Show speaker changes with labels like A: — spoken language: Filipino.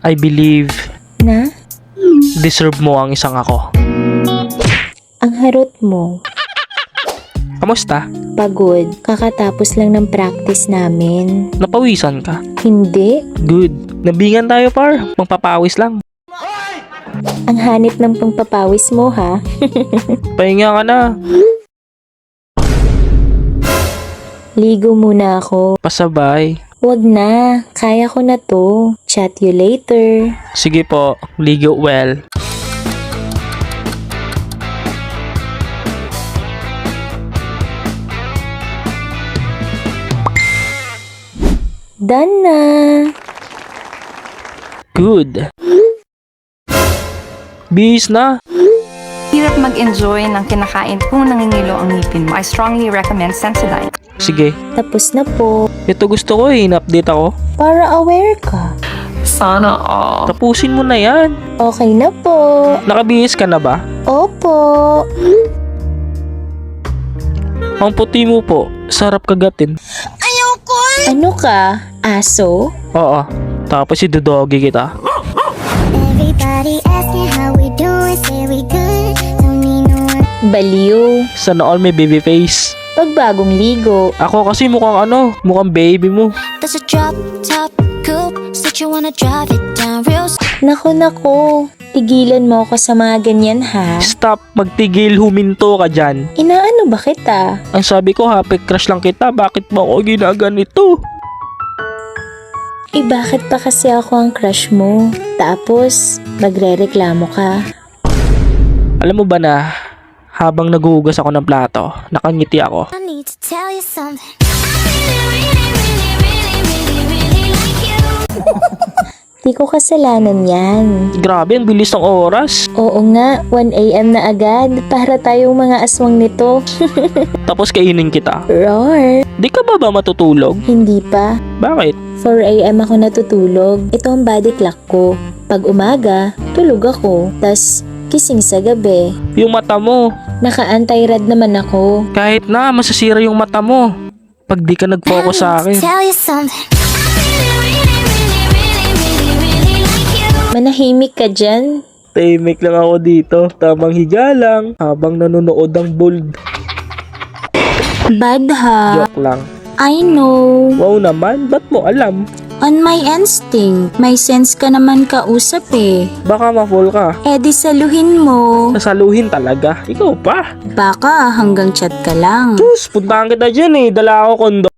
A: I believe
B: Na?
A: deserve mo ang isang ako.
B: Ang harot mo.
A: Kamusta?
B: Pagod. Kakatapos lang ng practice namin.
A: Napawisan ka?
B: Hindi.
A: Good. Nabingan tayo par. Magpapawis lang.
B: Ang hanit ng pangpapawis mo, ha?
A: Pahinga ka na.
B: Ligo muna ako.
A: Pasabay.
B: Wag na. Kaya ko na to. Chat you later.
A: Sige po. Ligo well.
B: Done na.
A: Good. Bis na.
C: Hirap mag-enjoy ng kinakain kung nangingilo ang ngipin mo. I strongly recommend Sensodyne.
A: Sige.
B: Tapos na po.
A: Ito gusto ko eh. In-update ako.
B: Para aware ka.
C: Sana all.
A: Tapusin mo na yan.
B: Okay na po.
A: Nakabihis ka na ba?
B: Opo.
A: Ang puti mo po. Sarap kagatin.
B: Ano ka? Aso?
A: Oo. Tapos idodogi kita.
D: Everybody asking how we doing, say we good. Don't need no one.
B: Baliw.
A: Sana all may baby face.
B: Pagbagong ligo.
A: Ako kasi mukhang baby mo.
D: That's a drop top coupe. Said you wanna drive it down real slow.
B: Nako. Tigilan mo ako sa mga ganyan, ha?
A: Stop, magtigil, huminto ka dyan.
B: Inaano ba kita?
A: Ang sabi ko, happy crush lang kita. Bakit mo ako ginaganito?
B: Bakit pa kasi ako ang crush mo? Tapos, magre-reklamo ka.
A: Alam mo ba na, habang naghuhugas ako ng plato, nakangiti ako.
D: I need to tell you something.
B: Di ko kasalanan yan.
A: Grabe, ang bilis ng oras.
B: Oo nga, 1 AM na agad. Para tayong mga aswang nito.
A: Tapos kainin kita.
B: Roar!
A: Di ka ba matutulog?
B: Hindi pa.
A: Bakit?
B: 4 AM ako natutulog. Ito ang body clock ko. Pag umaga, tulog ako. Tas, kising sa gabi.
A: Yung mata mo.
B: Naka-anti-rad naman ako.
A: Kahit na, masasira yung mata mo. Pag di ka nag-focus sa akin.
D: Tell you something.
B: Manahimik ka dyan.
A: Tahimik lang ako dito. Tamang higa lang. Habang nanonood ang bold.
B: Bad ha.
A: Joke lang.
B: I know.
A: Wow naman, ba't mo alam?
B: On my instinct. May sense ka naman kausap eh.
A: Baka ma-fall ka.
B: Eh di saluhin mo.
A: Sasaluhin talaga. Ikaw pa.
B: Baka hanggang chat ka lang.
A: Sus, puntahan kita dyan eh. Dala ako kondo.